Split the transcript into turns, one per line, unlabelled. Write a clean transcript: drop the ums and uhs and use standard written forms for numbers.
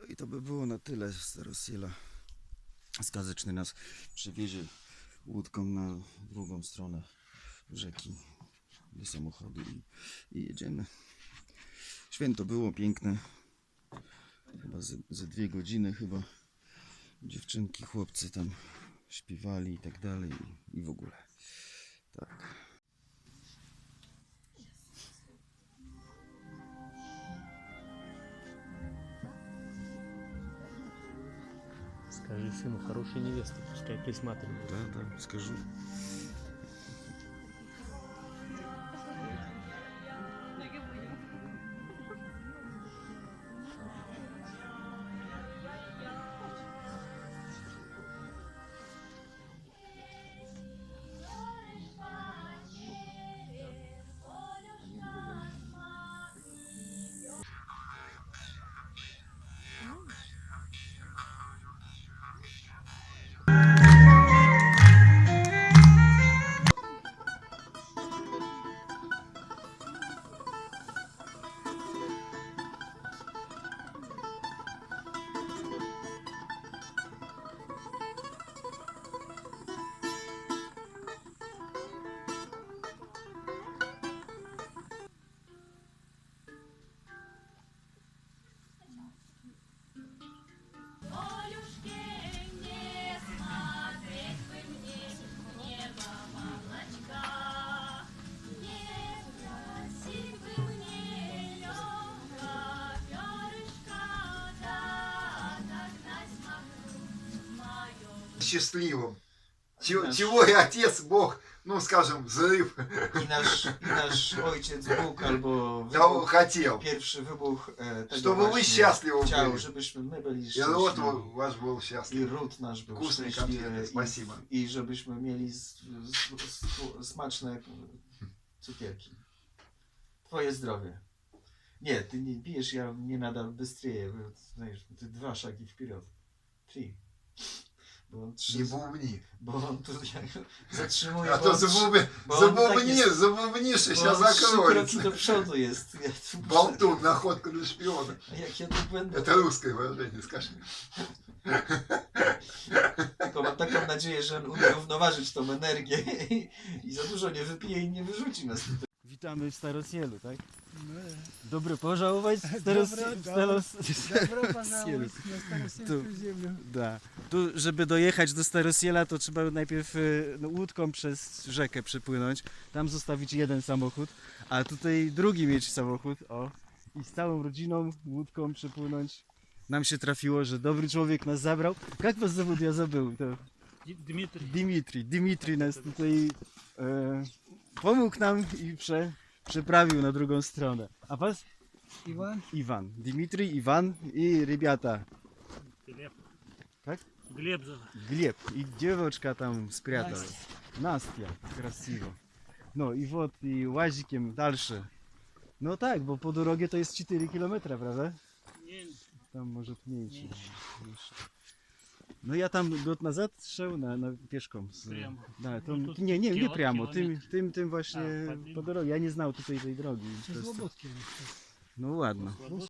i to by było na tyle. Starosiela Skazeczny nas przewiezie łódką na drugą stronę rzeki do samochodu i jedziemy. Święto było piękne. Chyba ze 2 godziny chyba dziewczynki, chłopcy tam śpiewali i tak dalej i w ogóle. Tak.
Скажи сыну, хорошая невеста, пускай присматривает.
Да, скажу.
Счастливым. Чего и Отец Бог, ну скажем, взрыв.
I nasz Ojciec Bóg albo
Того хотел.
pierwszy wybuch tego
Чтобы вы
właśnie
счастливы
chciał,
были.
żebyśmy my byli
И род
szczęśliwi.
ваш был
I
счастлив.
ród nasz był
Wkusny
szczęśliwy
konfet, spasibo.
i żebyśmy mieli smaczne cukierki. Twoje zdrowie. Nie, ty nie pijesz, ja nie nadal bystryję. Знаешь, ty 2 szagi wперед. 3. Bo on 3.
Не бубни.
Bo on tu zatrzymuje.
А
bo
то
on
забубнишь, и сейчас
Bo on 3 kroki
закроется.
do przodu jest. Ja tu muszę-
Болтун, находка для шпиона.
A jak ja tu będę?
Это русское выражение, скажи.
Tylko mam taką nadzieję, że on umie równoważyć tą energię i za dużo nie wypije i nie wyrzuci nas tutaj.
Witamy w Starosielu, tak?
Ну,
Добро пожаловать в
Добро пожаловать на Старосельскую землю.
Da. Tu, żeby dojechać do Starosiela, to trzeba najpierw łódką przez rzekę przepłynąć, tam zostawić jeden samochód, a tutaj drugi mieć samochód, o, i z całą rodziną łódką przepłynąć. Nam się trafiło, że dobry człowiek nas zabrał. Jak was zawód ja zabył? To
Дмитрий.
Dimitri nas tutaj pomógł nam i przeprawił na drugą stronę. A was?
Иван,
Iwan. Dimitri, Iwan i rybiata.
Глеб.
Tak?
Глеб зовут.
Gleb i dziewczynka tam spрятала. Nastia, krasiwo. No i wod i łazikiem dalsze. No tak, bo po drodze to jest 4 km, prawda?
Не,
Tam może mniejsze. No ja tam gод назад szedł na pieszką.
Прямо.
Da, to,
No to
nie
kilo-
прямо,
kilometr.
tym właśnie
A,
po drodze. Ja nie znał tutaj tej drogi.
через
Просто.
Слободки.
No ładno.